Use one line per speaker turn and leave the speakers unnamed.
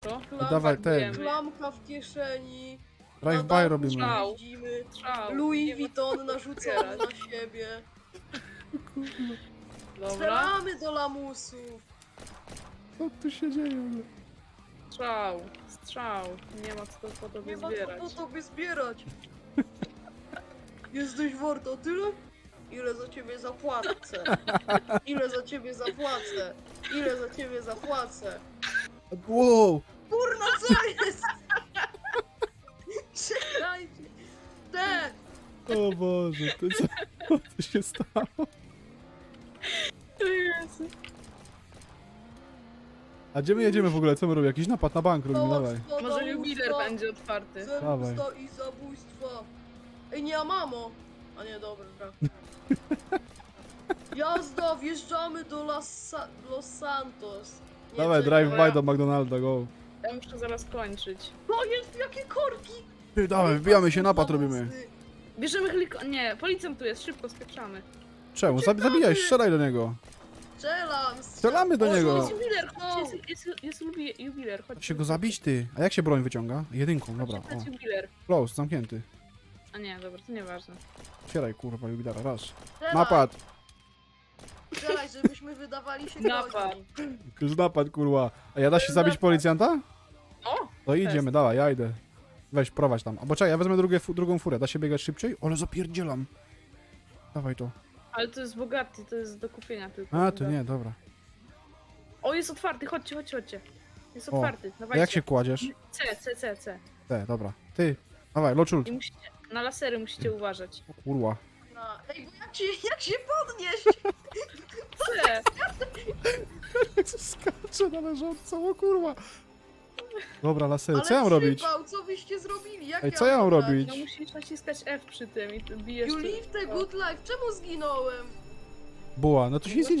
Dawaj, ten.
Klamka w kieszeni.
Drive-by robimy.
Strzał.
Widzimy.
Strzał.
Louis Vuitton narzucony na siebie.
Dobra.
Strzelamy do lamusów.
Co tu się dzieje?
Strzał. Strzał. Nie ma co po tobie
Nie ma
zbierać.
co po tobie zbierać. Jesteś warto tyle? Ile za ciebie zapłacę? Ile za ciebie zapłacę? Ile za ciebie zapłacę?
Wow!
Kurna, co jest? Czekajcie. Te!
O Boże, co się stało?
Jezu.
A gdzie my jedziemy w ogóle? Co my robimy? Jakiś napad na bank robimy, dawaj.
Może jubiler będzie otwarty.
Dawaj.
Zemsta i zabójstwa. Ej, nie, a mamo! A nie, dobra. Jazda, wjeżdżamy do Los Santos. Nie,
Dawaj,
czekaj.
drive-by do McDonalda, go.
Ja muszę zaraz kończyć.
To jest, jakie korki!
Ty, dawaj, wbijamy się, napad robimy.
Bierzemy Nie, policjant tu jest, szybko spieprzamy.
Czemu? Zabijaj, strzelaj do niego.
Strzelamy
do
O,
niego.
Jest
no.
jubiler, chodźcie, jest jubiler, chodźcie.
Się go zabić, ty. A jak się broń wyciąga? Jedynką, dobra. O.
Chodźcie, jubiler.
Close, zamknięty.
A nie, dobra, to nieważne.
Otwieraj, kurwa, jubilera, raz.
Strzelaj,
Napad!
Strzelaj, żebyśmy wydawali się
Napad.
groźni.
Już napad, kurwa. A ja da się zabić policjanta?
O!
To idziemy, dawaj, ja idę. Weź, prowadź tam. Albo czekaj, ja wezmę drugą furę. Da się biegać szybciej? Ale zapierdzielam. Dawaj to.
Ale to jest bogaty, to jest do kupienia tylko.
A, to nie, dobra.
O, jest otwarty, chodźcie. Jest
O,
otwarty,
A
dawajcie.
jak się kładziesz?
C.
Te, dobra. Ty, dawaj, loczul.
I musicie, na lasery musicie uważać.
Kurwa.
Ej, bo jak się podnieść?
C!
Skacze na leżącą, o kurwa. Dobra, lasery,
Ale
co ja mam robić?
przypał, co wyście zrobili? Jak
Ej,
ja
co ja mam
grać?
robić?
No musisz naciskać F przy tym i ty bijesz...
You live the good life. Czemu zginąłem?
Buła, no to się nic nie